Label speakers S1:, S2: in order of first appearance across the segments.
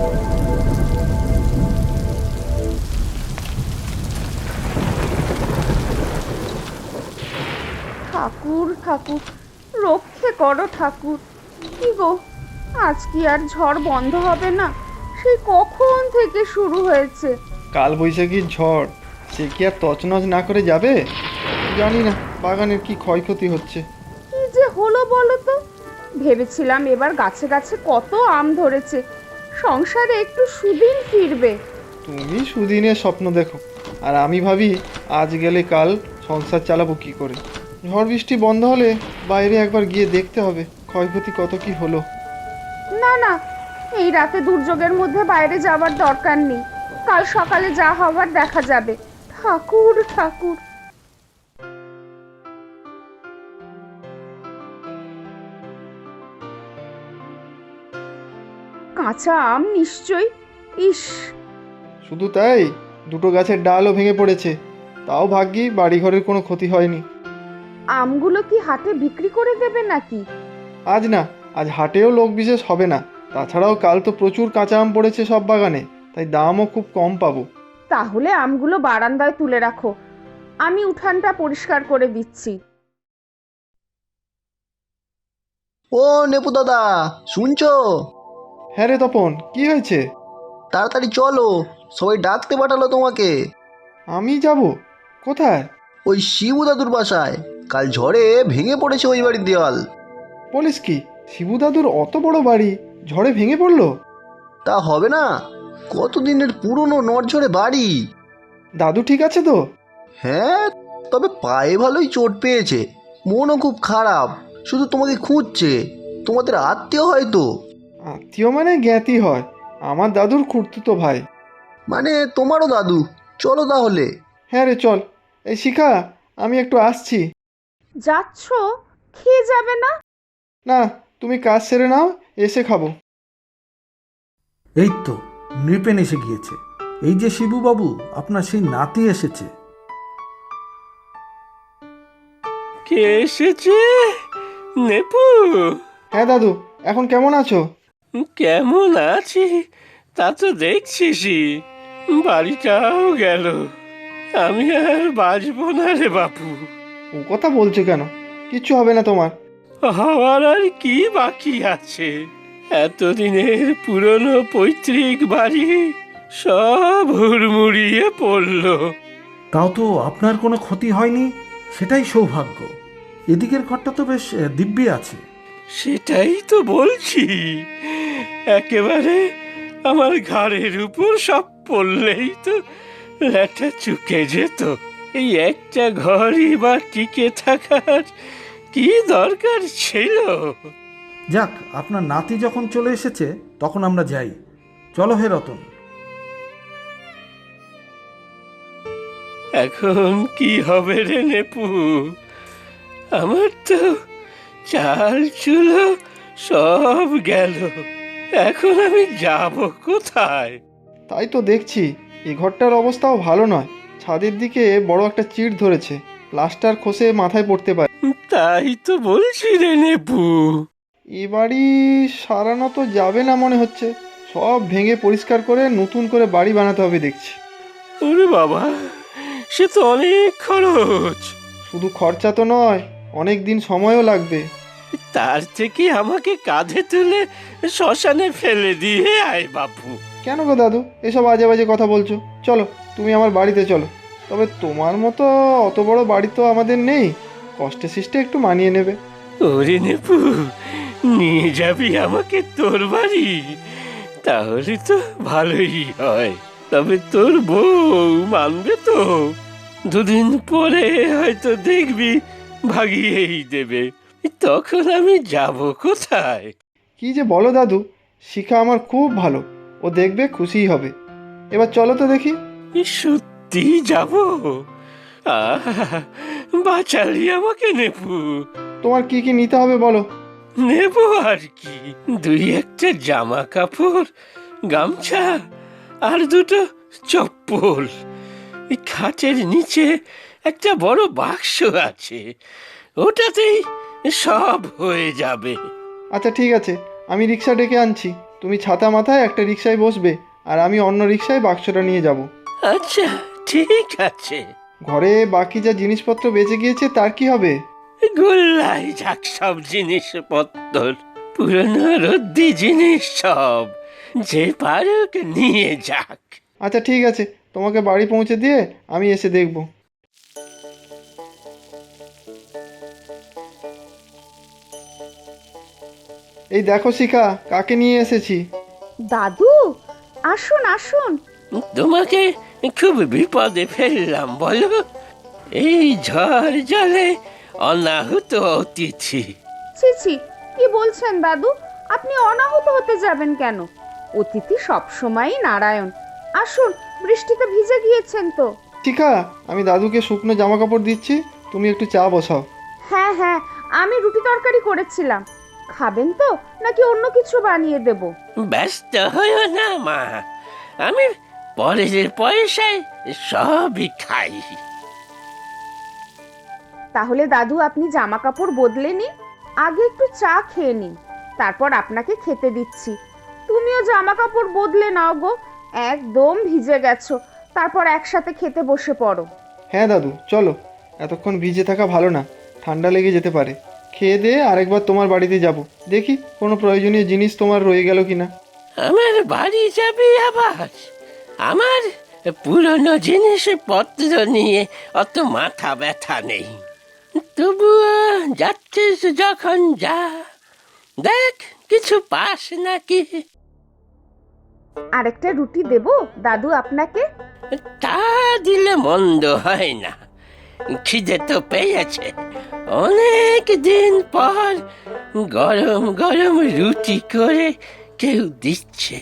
S1: ঠাকুর ঠাকুর, রক্ষে করো ঠাকুর। কি গো, আজ কি আর ঝড় বন্ধ হবে না? সেই কখন থেকে শুরু হয়েছে।
S2: কাল বৈশাখীর ঝড়, সে কি আর তছনছ না করে যাবে? জানি না বাগানের কি ক্ষয়ক্ষতি হচ্ছে।
S1: কি যে হলো বলো তো। ভেবেছিলাম এবার গাছে গাছে কত আম ধরেছে, সংসারে একটু সুদিন ফিরবে।
S2: তুমি সুদিনের স্বপ্ন দেখো, আর আমি ভাবি আজ গেলে কাল সংসার চালাবো কি করে। ঝড় বৃষ্টি বন্ধ হলে বাইরে একবার গিয়ে দেখতে হবে ক্ষয়ক্ষতি কত কি হলো।
S1: না না, এই রাতে দুর্যোগের মধ্যে বাইরে যাওয়ার দরকার নেই। কাল সকালে যা হবার দেখা যাবে। ঠাকুর ঠাকুর। কাঁচা আম নিশ্চয়ই। ইস,
S2: শুধু তাই, দুটো গাছের ডালও ভেঙে পড়েছে। তাও ভাগ্যি বাড়িঘরের কোনো ক্ষতি হয়নি।
S1: আমগুলো কি হাটে বিক্রি করে দেবে নাকি?
S2: আজ না, আজ হাটেও লোক বিশেষ হবে না। তাছাড়াও কাল তো প্রচুর কাঁচা আম পড়েছে সব বাগানে, তাই দামও খুব কম পাবো।
S1: তাহলে আমগুলো বারান্দায় তুলে রাখো, আমি উঠানটা পরিষ্কার করে দিচ্ছি।
S3: ও নেপু দাদা, শুনছো?
S2: হ্যাঁ রে তপন, কি হয়েছে?
S3: তাড়াতাড়ি চলো, সবাই ডাকতে পাঠালো তোমাকে।
S2: আমি যাব? কোথায়?
S3: ওই শিবু দাদুর বাসায়। কাল ঝড়ে ভেঙে পড়েছে ওই বাড়ির দেওয়াল।
S2: বলিস কি, শিবু দাদুর অত বড় বাড়ি ঝড়ে ভেঙে পড়লো?
S3: তা হবে না, কতদিনের পুরনো নড়ঝড়ে বাড়ি।
S2: দাদু ঠিক আছে তো?
S3: হ্যাঁ, তবে পায়ে ভালোই চোট পেয়েছে, মনও খুব খারাপ, শুধু তোমাকে খুঁজছে। তোমাদের আত্মীয় হয়তো।
S2: আত্মীয় মানে জ্ঞাতি হয়, আমার দাদুর খুড়তুতো ভাই।
S3: মানে তোমারও দাদু। চলো তাহলে।
S2: হ্যাঁ রে চল। এই শিখা, আমি একটু আসছি।
S1: যাচ্ছ? খেয়ে যাবে না?
S2: না, তুমি কাজ সেরে নাও, এসে খাবো।
S4: এই তো নৃপেন এসে গিয়েছে। এই যে শিবুবাবু, আপনার সেই নাতি এসেছে।
S5: কে এসেছে? নেপু?
S2: হ্যাঁ দাদু, এখন কেমন আছো?
S5: কেমন আছি তা তো দেখছিসই, বাড়িটাও গেল। আমি আর বাঁচবো না রে বাপু।
S2: ও কথা বলছো কেন? কিচ্ছু হবে না তোমার।
S5: হওয়ার আর কি বাকি আছে? এতদিনের পুরনো পৈতৃক বাড়ি সব হুড়মুড়িয়ে পড়লো।
S4: তাও তো আপনার কোনো ক্ষতি হয়নি, সেটাই সৌভাগ্য। এদিকের ঘরটা তো বেশ দিব্যি আছে।
S5: সেটাই তো বলছি, একেবারে আমার ঘাড়ের উপর সব পড়লেই তো ল্যাটা চুকে যেত। এই একটা ঘরই বা টিকে থাকার কি দরকার ছিল?
S4: যাক, আপনার নাতি যখন চলে এসেছে তখন আমরা যাই। চলো হে রতন।
S5: এখন কি হবে রে নেপু? আমার তো চাল চুলো সব গেল। এখন আমি যাব কোথায়?
S2: তাই তো দেখছি, এই ঘরটার অবস্থাও ভালো নয়। ছাদের দিকে বড় একটা চিড় ধরেছে, প্লাস্টার খসে মাথায় পড়তে পারে।
S5: তাই তো বলছি রে নেপু।
S2: এ বাড়ি সারানো তো যাবে না মনে হচ্ছে। সব ভেঙে পরিষ্কার করে নতুন করে বাড়ি বানাতে হবে দেখছি।
S5: ওরে বাবা, সে তো অনেক খরচ।
S2: শুধু খরচা তো নয়, অনেক দিন সময়ও লাগবে।
S5: তার থেকে আমাকে কাঁধে তুলে শ্মশানে ফেলে দিয়ে আয় বাপু।
S2: কেন গো দাদু, এসব আজে বাজে কথা বলছো? চলো, তুমি আমার বাড়িতে চলো। তবে তোমার মতো অত বড় বাড়ি তো আমাদের নেই, কষ্টে সৃষ্টে একটু মানিয়ে নেবে।
S5: ওরে নেপু, নিয়ে যাবি আমাকে তোর বাড়ি? তাহলে তো ভালোই হয়। তবে তোর বউ মানবে তো? দুদিন পরে হয়তো দেখবি ভাগিয়েই দেবে। তখন আমি যাব কোথায়?
S2: কি যে বলো দাদু, শিখা আমার খুব ভালো, ও দেখবে খুশিই হবে। এবার চলো তো দেখি।
S5: সত্যি যাব? আহা, বাঁচালি আমাকে নেপু।
S2: তোমার কি কি নিতে হবে বলো।
S5: নেব আর কি, দুই একটা জামা কাপড়, গামছা আর দুটো চপ্পল। এই খাটের নিচে একটা বড় বাক্স আছে, ওটাতেই সব হয়ে যাবে।
S2: আচ্ছা ঠিক আছে, আমি রিক্সা ডেকে আনছি, তুমি ছাতা মাথায় একটা রিকশায় বসবে, আর আমি অন্য রিকশায় বাক্সটা নিয়ে যাব।
S5: আচ্ছা, ঠিক আছে।
S2: ঘরে বাকি যা জিনিসপত্র বেঁচে গিয়েছে তার কি হবে?
S5: গোল্লাই যাক সব জিনিসপত্র, পুরনো রদ্দি জিনিস সব, যে পারুক নিয়ে যাক।
S2: আচ্ছা ঠিক আছে, তোমাকে বাড়ি পৌঁছে দিয়ে আমি এসে দেখব। এই দেখো শিখা, কাকে নিয়ে এসেছি।
S1: দাদু, আসুন আসুন।
S5: তোমাকে খুব বিপদে ফেললাম বলো, এই ঝড় জলে অনাহুত অতিথি।
S1: ছি ছি, কি বলছেন দাদু? আপনি অনাহুত হতে যাবেন কেন? অতিথি সবসময়ই নারায়ণ। আসুন, বৃষ্টিতে ভিজে গিয়েছেন তো।
S2: শিখা, আমি দাদুকে শুকনো জামা কাপড় দিচ্ছি, তুমি একটু চা বসাও।
S1: হ্যাঁ হ্যাঁ, আমি রুটি তরকারি করেছিলাম। খাবেন তো নাকি অন্য কিছু বানিয়ে দেব?
S5: ব্যস্ত হইও না মা, আমি পরের পয়সায় সবই খাই।
S1: তাহলে দাদু আপনি জামা কাপড় বদলে নিন, আগে একটু চা খেয়ে নিন, তারপর আপনাকে খেতে দিচ্ছি। তুমিও জামা কাপড় বদলে নাও গো, একদম ভিজে গেছো। তারপর একসাথে খেতে বসে পড়ো।
S2: হ্যাঁ দাদু, চলো, এতক্ষণ ভিজে থাকা ভালো না, ঠান্ডা লেগে যেতে পারে। খেয়ে দিয়ে আরেকবার তোমার বাড়িতে যাব, দেখি কোনো প্রয়োজনীয় জিনিস তোমার রয়ে গেল কিনা।
S5: আমার বাড়ি যাবি আবার? আমার পুরনো জিনিসপত্র নিয়ে অত মাথা ব্যথা নেই। তবুও যাচ্ছিস যখন যা, দেখ কিছু পাস নাকি।
S1: আরেকটা রুটি দেবো দাদু আপনাকে?
S5: তা দিলে মন্দ হয় না, খিদে তো পেয়েছে। অনেক দিন পর গরম গরম রুটি করে কেউ দিচ্ছে।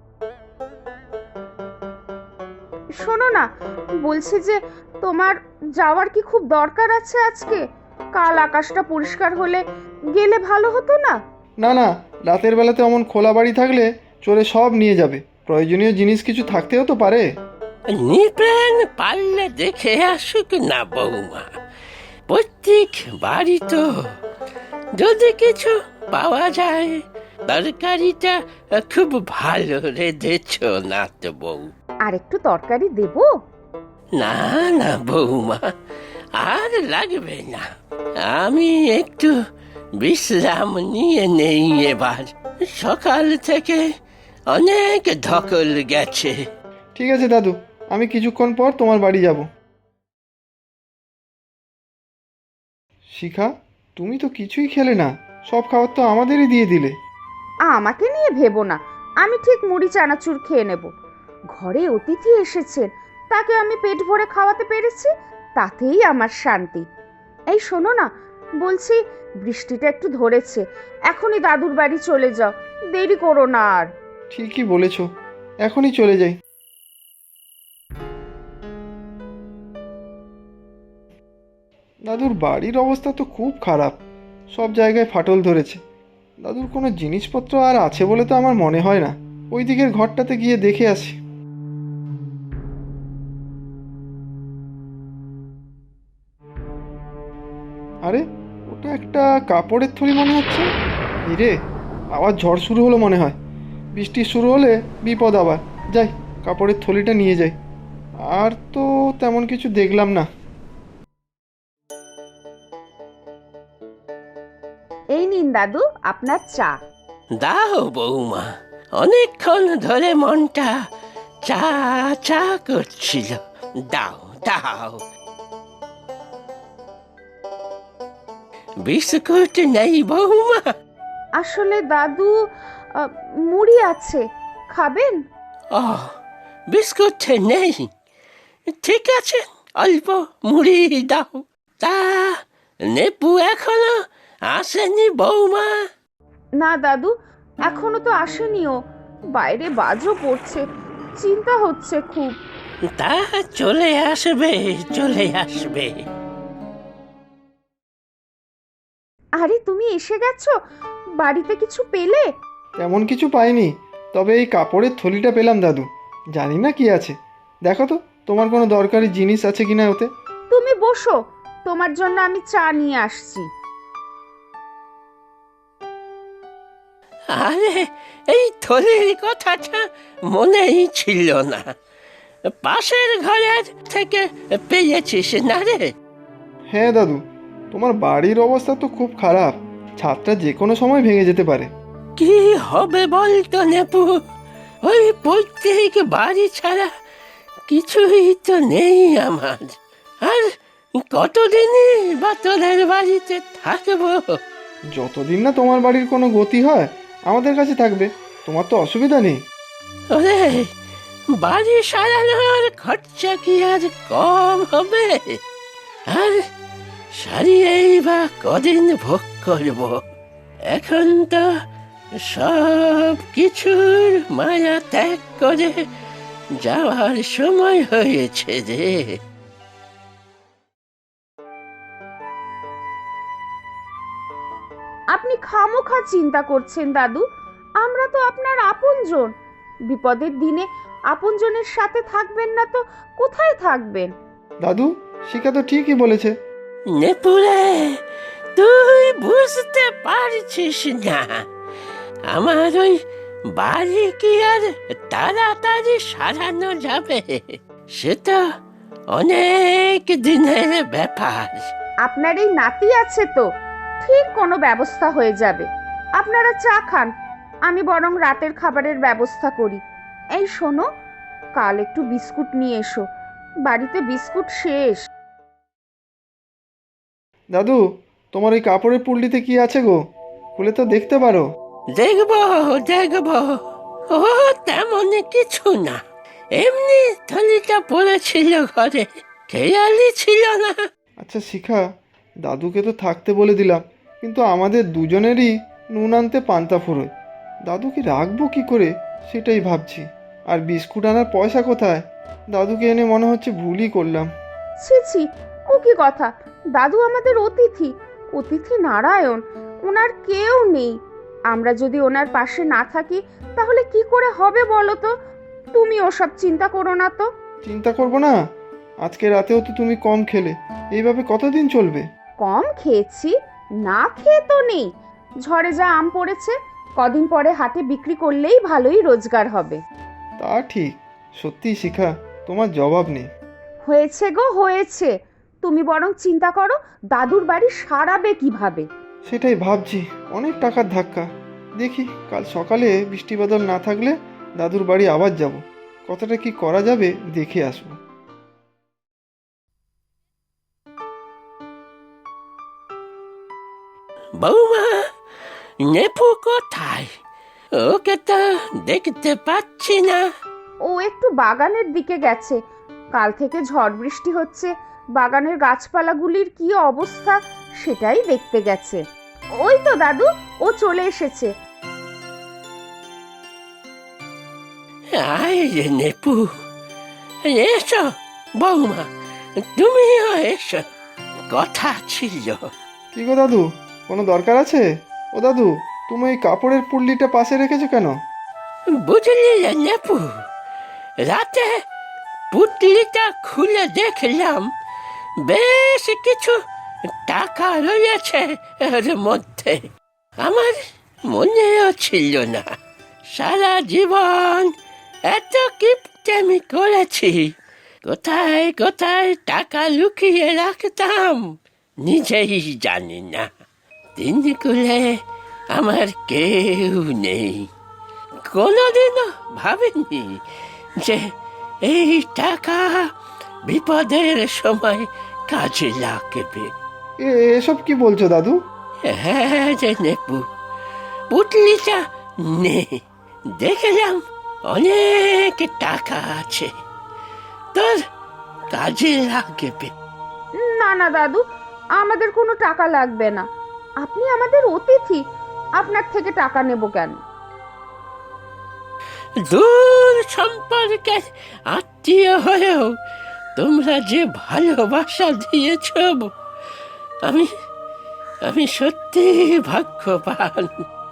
S1: শোনো না, বলছি যে তোমার যাওয়ার কি খুব দরকার আছে আজকে? কাল আকাশটা পরিষ্কার হলে গেলে ভালো হতো না?
S2: না না, রাতের বেলাতে অমন খোলা বাড়ি থাকলে চোরে সব নিয়ে যাবে, প্রয়োজনীয় জিনিস কিছু থাকতেও তো পারে।
S5: নিপ্রাণ পারলে দেখে আসুক না বৌমা, প্রত্যেক বাড়ি তো, যদি কিছু পাওয়া যায়। তরকারিটা খুব ভালো রেঁধেছ না তো বউ?
S1: আর একটু তরকারি দেবো?
S5: না না বৌমা, আর লাগবে না। আমি একটু বিশ্রাম নিয়ে নেই এবার, সকাল থেকে অনেক ধকল গেছে।
S2: ঠিক আছে দাদু, আমি কিছুক্ষণ পর তোমার বাড়ি যাব। শিখা, তুমি তো কিছুই খেলে না, সব খাবার তো আমাদেরই দিয়ে দিলে।
S1: আমাকে নিয়ে ভেবো না, আমি ঠিক মুড়ি চানাচুর খেয়ে নেব। ঘরে অতিথি এসেছেন, তাকে আমি পেট ভরে খাওয়াতে পেরেছি, তাতেই আমার শান্তি। এই শোনো না, বলছি বৃষ্টিটা একটু ধরেছে, এখনই দাদুর বাড়ি চলে যাও, দেরি করো না আর।
S2: ঠিকই বলেছ, এখনই চলে যাই। দাদুর বাড়ির অবস্থা তো খুব খারাপ, সব জায়গায় ফাটল ধরেছে। দাদুর কোনো জিনিসপত্র আর আছে বলে তো আমার মনে হয় না। ওই দিকের ঘরটাতে গিয়ে দেখে আসি। আরে, ওটা একটা কাপড়ের থলি মনে হচ্ছে। ইরে, আবার ঝড় শুরু হলো মনে হয়। বৃষ্টি শুরু হলে বিপদ আবার। যাই, কাপড়ের থলিটা নিয়ে যাই। আর তো তেমন কিছু দেখলাম না।
S1: এই নিন দাদু আপনার চা।
S5: দাও বৌমা, অনেকক্ষণ ধরে মনটা চা চা করছিল, দাও দাও। বিস্কুট নেই বৌমা?
S1: আসলে দাদু, মুড়ি আছে, খাবেন?
S5: ও, বিস্কুট নেই, ঠিক আছে, অল্প মুড়ি দাও। তা নেপু এখনো আসেনি বৌমা?
S1: না দাদু, এখনো তো আসেনিও, বাইরে বাজও পড়ছে, চিন্তা হচ্ছে খুব।
S5: তা চলে আসবে, চলে আসবে।
S1: আরে তুমি এসে গেছো, বাড়িতে কিছু পেলে?
S2: তেমন কিছু পাইনি, তবে এই কাপড়ের থলিটা পেলাম দাদু। জানি না কি আছে, দেখো তো তোমার কোনো দরকারি জিনিস আছে কিনা ওতে।
S1: তুমি বসো, তোমার জন্য আমি চা নিয়ে আসছি।
S5: আরে এই থলির কথাটা মনেই ছিল না। পাশের ঘরের থেকে পেয়েছিস না রে?
S2: হ্যাঁ দাদু, তোমার বাড়ির অবস্থা তো খুব খারাপ, ছাদটা যে কোনো সময় ভেঙে যেতে পারে।
S5: কি হবে বলতো নেপু? ওই পৈতৃক বাড়ি ছাড়া কিছুই তো নেই আমার। আর কতদিনই বা তোদের বাড়িতে থাকবো?
S2: যতদিন না তোমার বাড়ির কোনো গতি হয় আমাদের কাছে থাকবে, তোমার তো অসুবিধা নেই।
S5: ওরে, বাড়ি সারানোর খরচা কি আর কম হবে? আর সারিয়েই বা কদিন ভোগ করব? এখন তো সব কিছুর মায়া ত্যাগ করে যাওয়ার সময় হয়েছে রে।
S1: আপনি খামোখা চিন্তা করছেন দাদু, আমরা তো আপনার আপনজন। বিপদের দিনে আপনজনের সাথে থাকবেন না তো কোথায় থাকবেন?
S2: দাদু, শিখা তো ঠিকই বলেছে।
S5: নেপুরে, তুই বুঝতে পারছিস না, আমার ওই বাড়ি কি আর তাড়াতাড়ি সারানো যাবে? সেটা অনেক দিনের ব্যাপার।
S1: আপনার এই নাতি আছে তো, ঠিক কোনো ব্যবস্থা হয়ে যাবে। আপনারা চা খান, আমি বরং রাতের খাবারের ব্যবস্থা করি। এই শোনো, কাল একটু বিস্কুট নিয়ে এসো, বাড়িতে বিস্কুট শেষ।
S2: দাদু, তোমার ওই কাপড়ের পুল্লিতে কি আছে গো? খুলে তো দেখতে পারো।
S5: দেখব দেখব, ও তেমন কিছু না, এমনি থলিটা পড়েছিল ঘরে, খেয়ালই ছিল না।
S2: আচ্ছা শিখা, দাদুকে তো থাকতে বলে দিলাম, কিন্তু আমাদের দুজনেরই নুন আনতে পান্তা ফুরোয়। দাদুকে রাখবো কি করে সেটাই ভাবছি। আর বিস্কুট আনার পয়সা কোথায়? দাদুকে এনে মনে হচ্ছে ভুলই করলাম।
S1: ছি ছি, ও কি কথা? দাদু আমাদের অতিথি, অতিথি নারায়ণ, ওনার কেউ নেই। আমরা যদি ওনার পাশে না থাকি তাহলে কি করে হবে বলো তো? তুমি ওসব চিন্তা করো না তো।
S2: চিন্তা করবো না? আজকে রাতেও তো তুমি কম খেলে, এইভাবে কতদিন চলবে?
S1: কম খেয়েছি, না খেয়ে তো নেই। ঝড়ে যা আম পড়েছে, কদিন পরে হাটে বিক্রি করলেই ভালোই রোজগার হবে।
S2: তা ঠিক, সত্যি শিখা, তোমার জবাব নেই।
S1: হয়েছে গো হয়েছে, তুমি বরং চিন্তা করো দাদুর বাড়ি সারাবে কিভাবে।
S2: সেটাই ভাবছি, অনেক টাকার ধাক্কা। দেখি কাল সকালে বৃষ্টি বাদল না থাকলে দাদুর বাড়ি আবার যাব, কতটা কি করা যাবে দেখে আসবো।
S5: বৌমা, নেপু কোথায়? ওকে তো দেখতে পাচ্ছি না।
S1: ও একটু বাগানের দিকে গেছে, কাল থেকে ঝড় বৃষ্টি হচ্ছে, বাগানের গাছপালাগুলির কি অবস্থা সেটাই দেখতে গেছে। ওই তো দাদু, ও চলে এসেছে।
S5: আয় রে নেপু, এসো বৌমা, তুমিও এসো, কথা ছিল।
S2: কি গো দাদু, কোনো দরকার আছে? ও দাদু, তুমি এই কাপড়ের পুল্লিটা পাশে রেখেছো কেন?
S5: বুঝলি রে নেপু, রাতে পুটলিটা খুলে দেখলাম বেশ কিছু টাকা রয়েছে এর মধ্যে। আমার মনেও ছিল না, সারা জীবন এত কিপটেমি করেছি, কোথায় কোথায় টাকা লুকিয়ে রাখতাম নিজেই জানি না। দিনগুলো আমার কেউ নেই, কোনোদিনও ভাবিনি যে এই টাকা বিপদের সময় কাজে লাগবে।
S2: এসব কি বলছো দাদু?
S5: হ্যাঁ যে নেপু, পুটলিটা নে, দেখলাম অনেক টাকা আছে, তোর কাজে লাগবে।
S1: না না দাদু, আমাদের কোনো টাকা লাগবে না, আপনি আমাদের অতিথি, আপনার থেকে টাকা নেব কেন?
S5: দূর সম্পর্কে আত্মীয় হয়েও তোমরা যে ভালোবাসা দিয়েছ, আমি আমি সত্যি ভাগ্যবান।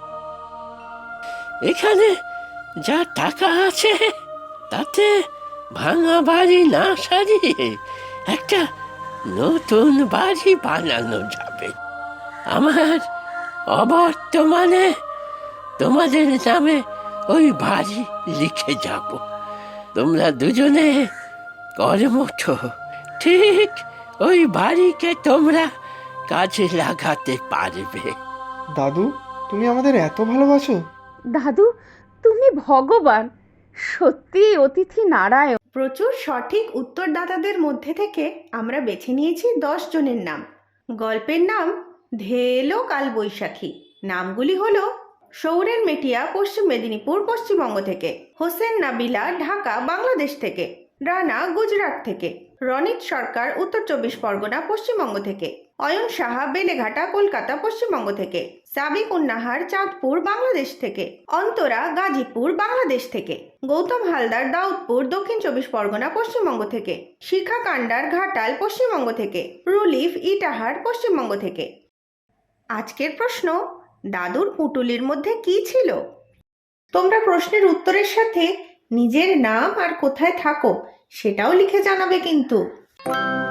S5: এখানে যা টাকা আছে তাতে ভাঙা বাড়ি না সারিয়ে একটা নতুন বাড়ি বানানো যাবে। আমার অবর্তমানে তোমাদের নামে ওই বাড়ি লিখে যাব। তোমরা দুজনে কর্মঠ, ঠিক ওই বাড়িকে তোমরা কাজে লাগাতে পারবে।
S2: দাদু, তুমি আমাদের এত ভালোবাসো?
S1: দাদু, তুমি ভগবান, সত্যি অতিথি নারায়ণ।
S6: প্রচুর সঠিক উত্তরদাতাদের মধ্যে থেকে আমরা বেছে নিয়েছি 10 জনের নাম। গল্পের নাম ধেলো কাল বৈশাখী। নামগুলি হলো সৌরেন মেটিয়া, পশ্চিম মেদিনীপুর, পশ্চিমবঙ্গ থেকে; হোসেন নাবিলা, ঢাকা, বাংলাদেশ থেকে; রানা, গুজরাট থেকে; রনিত সরকার, উত্তর 24 পরগনা, পশ্চিমবঙ্গ থেকে; অয়ন সাহা, বেলেঘাটা, কলকাতা, পশ্চিমবঙ্গ থেকে; সাবিক উন্নাহার, চাঁদপুর, বাংলাদেশ থেকে; অন্তরা, গাজীপুর, বাংলাদেশ থেকে; গৌতম হালদার, দাউদপুর, দক্ষিণ 24 পরগনা, পশ্চিমবঙ্গ থেকে; শিখা কান্ডার, ঘাটাল, পশ্চিমবঙ্গ থেকে; রুলিফ, ইটাহার, পশ্চিমবঙ্গ থেকে। আজকের প্রশ্ন, দাদুর পুঁটুলির মধ্যে কি ছিল? তোমরা প্রশ্নের উত্তরের সাথে নিজের নাম আর কোথায় থাকো সেটাও লিখে জানাবে কিন্তু।